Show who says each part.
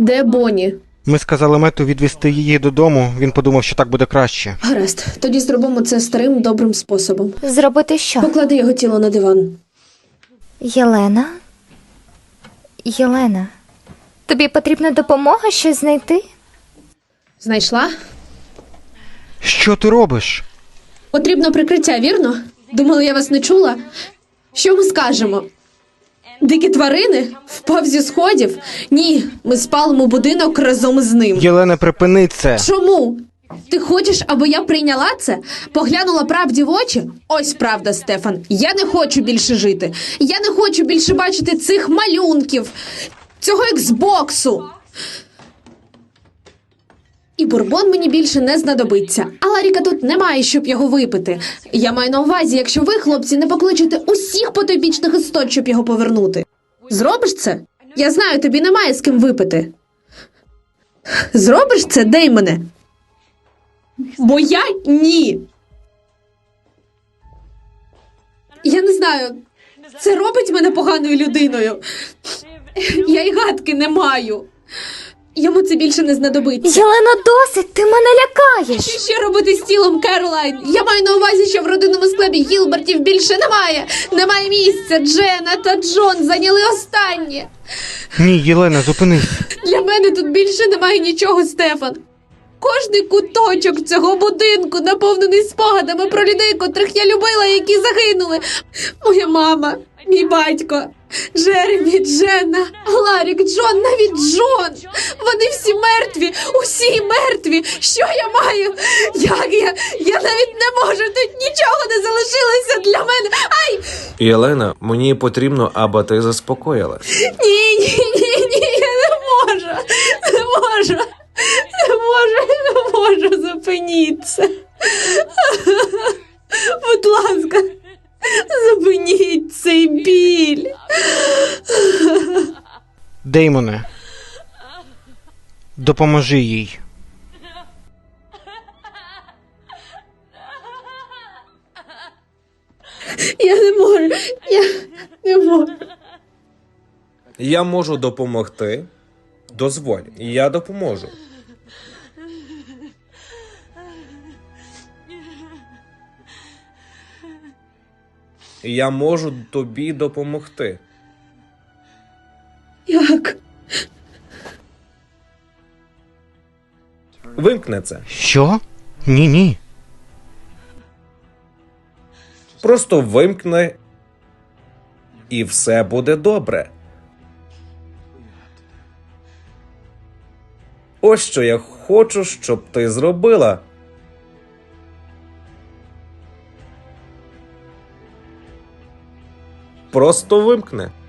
Speaker 1: Де Бонні?
Speaker 2: Ми сказали Мету відвести її додому, він подумав, що так буде краще.
Speaker 1: Гаразд, тоді зробимо це старим добрим способом.
Speaker 3: Зробити що?
Speaker 1: Поклади його тіло на диван.
Speaker 3: Єлена? Єлена, тобі потрібна допомога щось знайти?
Speaker 1: Знайшла?
Speaker 2: Що ти робиш?
Speaker 1: Потрібно прикриття, вірно? Думали, я вас не чула? Що ми скажемо? Дикі тварини? Впав зі сходів? Ні, ми спалимо будинок разом з ним.
Speaker 2: Єлена, припини це.
Speaker 1: Чому? Ти хочеш, аби я прийняла це? Поглянула правді в очі? Ось правда, Стефан. Я не хочу більше жити. Я не хочу більше бачити цих малюнків, цього ексбоксу. І бурбон мені більше не знадобиться. А Ларіка тут немає, щоб його випити. Я маю на увазі, якщо ви, хлопці, не покличете усіх потойбічних істот, щоб його повернути. Зробиш це? Я знаю, тобі немає з ким випити. Зробиш це, Деймоне? Бо я ні. Я не знаю, це робить мене поганою людиною. Я й гадки не маю. Йому це більше не знадобиться.
Speaker 3: Єлена, досить, ти мене лякаєш.
Speaker 1: Що робити з тілом, Керолайн? Я маю на увазі, що в родинному склепі Гілбертів більше немає. Немає місця. Джена та Джон зайняли останнє.
Speaker 2: Ні, Єлена, зупинись.
Speaker 1: Для мене тут більше немає нічого, Стефан. Кожний куточок цього будинку наповнений спогадами про людей, котрих я любила, які загинули. Моя мама, мій батько, Джеремі, Дженна, Ларік, Джон, навіть Джон. Вони всі мертві, усі мертві. Що я маю? Як я? Я навіть не можу, тут нічого не залишилося для мене. Ай!
Speaker 4: Єлена, мені потрібно, аби ти заспокоїлась.
Speaker 1: Ні, я не можу. Не можу. Не можу, зупиніться. Будь ласка, зупиніть цей біль.
Speaker 2: Деймоне, допоможи їй.
Speaker 1: Я не можу, я не можу.
Speaker 4: Я можу допомогти. Дозволь, я допоможу. Я можу тобі допомогти.
Speaker 1: Як?
Speaker 4: Вимкни це.
Speaker 2: Що? Ні.
Speaker 4: Просто вимкни, і все буде добре. Ось що я хочу, щоб ти зробила. Просто вимкни.